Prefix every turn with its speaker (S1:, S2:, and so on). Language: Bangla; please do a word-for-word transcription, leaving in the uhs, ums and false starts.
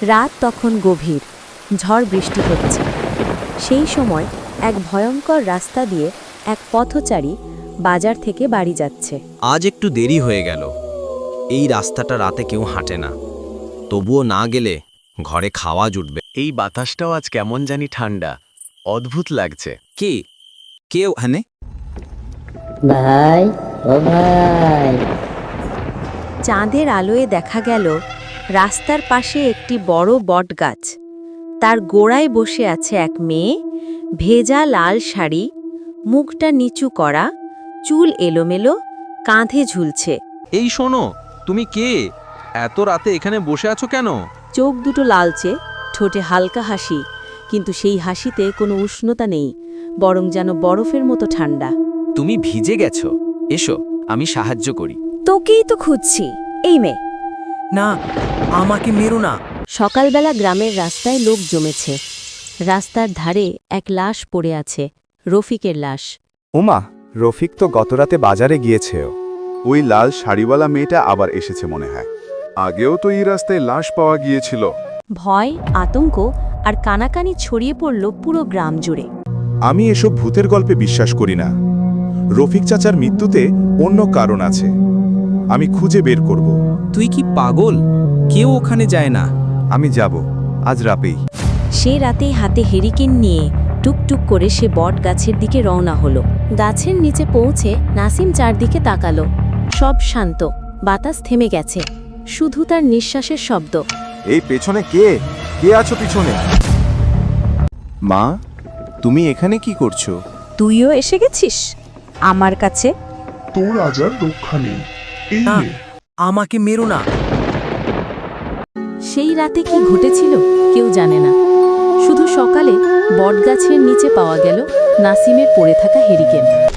S1: রাত তখন গভীর, ঝড় বৃষ্টি হচ্ছে। সেই সময় এক ভয়ঙ্কর রাস্তা দিয়ে এক পথচারী বাজার থেকে বাড়ি যাচ্ছে।
S2: আজ একটু দেরি হয়ে গেল। এই রাস্তাটা রাতে কেউ হাঁটে না, তবুও না গেলে ঘরে খাওয়া জুটবে।
S3: এই বাতাসটাও আজ কেমন জানি ঠান্ডা, অদ্ভুত লাগছে।
S2: কি কে ওখানে?
S4: ভাই ও ভাই,
S1: চাঁদের আলোয় দেখা গেল রাস্তার পাশে একটি বড় বটগাছ। তার গোড়ায় বসে আছে এক মেয়ে, ভেজা লাল শাড়ি, মুখটা নিচু করা, চুল এলোমেলো, কাঁধে ঝুলছে।
S5: এই শোনো, তুমি কে? এত রাতে এখানে বসে আছো কেন?
S1: চোখ দুটো লালচে, ঠোঁটে হালকা হাসি, কিন্তু সেই হাসিতে কোনো উষ্ণতা নেই, বরং যেন বরফের মতো ঠান্ডা।
S3: তুমি ভিজে গেছো, এসো আমি সাহায্য করি।
S1: তোকেই তো খুঁজছি, এই মেয়ে।
S6: না, আমাকে মেরো না।
S1: সকালবেলা গ্রামের রাস্তায় লোক জমেছে। রাস্তার ধারে এক লাশ পড়ে আছে, রফিকের লাশ।
S7: ওমা, রফিক তো গতরাতে বাজারে গিয়েছে।
S8: ওই লাল শাড়িওয়ালা মেয়েটা আবার এসেছে মনে হয়। আগেও তো এই রাস্তায় লাশ পাওয়া গিয়েছিল।
S1: ভয়, আতঙ্ক আর কানাকানি ছড়িয়ে পড়ল পুরো গ্রাম জুড়ে।
S7: আমি এসব ভূতের গল্পে বিশ্বাস করি না। রফিক চাচার মৃত্যুতে অন্য কারণ আছে, আমি খুঁজে বের করব।
S6: তুই কি পাগল? কেউ ওখানে যায় না।
S7: আমি যাব, আজ রাতেই।
S1: সে রাতেই হাতে হেরিকেন নিয়ে টুকটুক করে সে বট গাছের দিকে রওনা হলো। গাছের নিচে পৌঁছে নাসিম চারদিকে তাকালো। সব শান্ত, বাতাস থেমে গেছে, শুধু তার নিঃশ্বাসের শব্দ।
S7: এই পেছনে কে? কে আছো পিছনে? মা, তুমি এখানে কি করছো?
S1: তুইও এসে গেছিস আমার কাছে?
S9: তোর আজ আর রক্ষা নেই। এই
S6: না,
S9: নে।
S6: আমাকে মেরো না।
S1: সেই রাতে কি ঘটেছিল কেউ জানে না। শুধু সকালে বটগাছের নিচে পাওয়া গেল নাসিমের পড়ে থাকা হেরিকেন।